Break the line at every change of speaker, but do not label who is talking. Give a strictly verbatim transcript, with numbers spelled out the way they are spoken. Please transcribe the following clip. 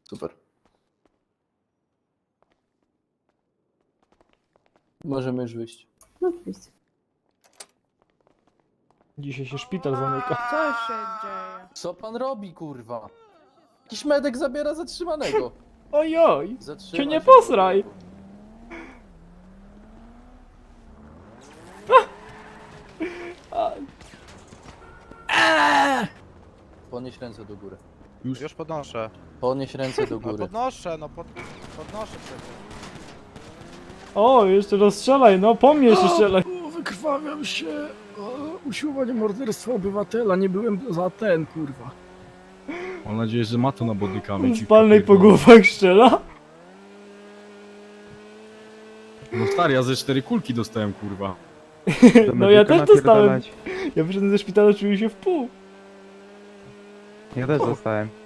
Super. Możemy już wyjść.
No oczywiście.
Dzisiaj się szpital zamyka.
Co się dzieje?
Co pan robi, kurwa? Jakiś medek zabiera zatrzymanego.
Ojoj!
Zatrzymaj
Cię nie
się,
posraj!
człowieku.
A,
Podnieś ręce do góry.
Już, już podnoszę.
Podnieś ręce do
No
góry.
podnoszę, no pod, podnoszę przecież.
o, jeszcze rozstrzelaj, no po mnie się strzelaj.
O, wykrwawiam się. O, usiłowanie morderstwa obywatela. Nie byłem za ten, kurwa. Mam nadzieję, że ma to na bodykami.
Z palnej po głowach strzela.
No stary, ja ze cztery kulki dostałem, kurwa.
No ja też dostałem. Ja wyszedłem ze szpitala, czułem się w pół.
Ja też dostałem.